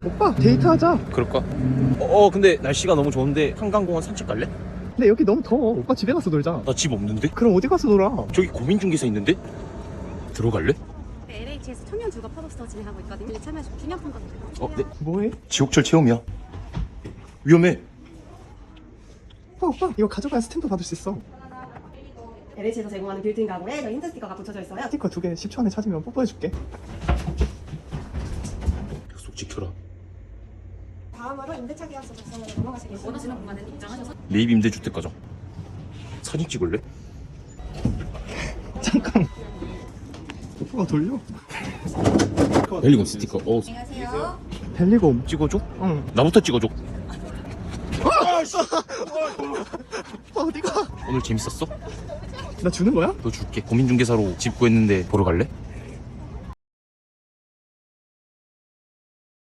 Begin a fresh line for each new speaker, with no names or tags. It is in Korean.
오빠 데이트하자.
그럴까? 근데 날씨가 너무 좋은데 한강공원 산책 갈래?
근데 여기 너무 더워. 오빠 집에 가서 놀자.
나 집 없는데?
그럼 어디 가서 놀아?
저기 고민중개사 있는데? 들어갈래?
LH에서 청년 주거 팝업스토어 진행하고 있거든요. 참여하시고 기념품 받으세요.
네.
뭐해?
지옥철 체험이야. 위험해.
오빠 이거 가져가야 스탬프 받을 수 있어.
LH에서 제공하는 빌트인 가구에 저희 힌트 스티커가 붙여져 있어요.
스티커 2개 10초 안에 찾으면 뽀뽀해줄게.
약속 지켜라.
다음으로 임대차 계약서 작성으로 넘어가시겠습니다. 원하시는 공간은 입장하셔서
매입 임대주택 가정. 사진 찍을래?
잠깐. 오빠가 돌려?
벨리곤 스티커.
안녕하세요.
벨리곰.
찍어줘?
응.
나부터 찍어줘.
오빠 어디가?
오늘 재밌었어?
나 주는 거야?
너 줄게. 고민중개사로 집 구했는데 보러 갈래?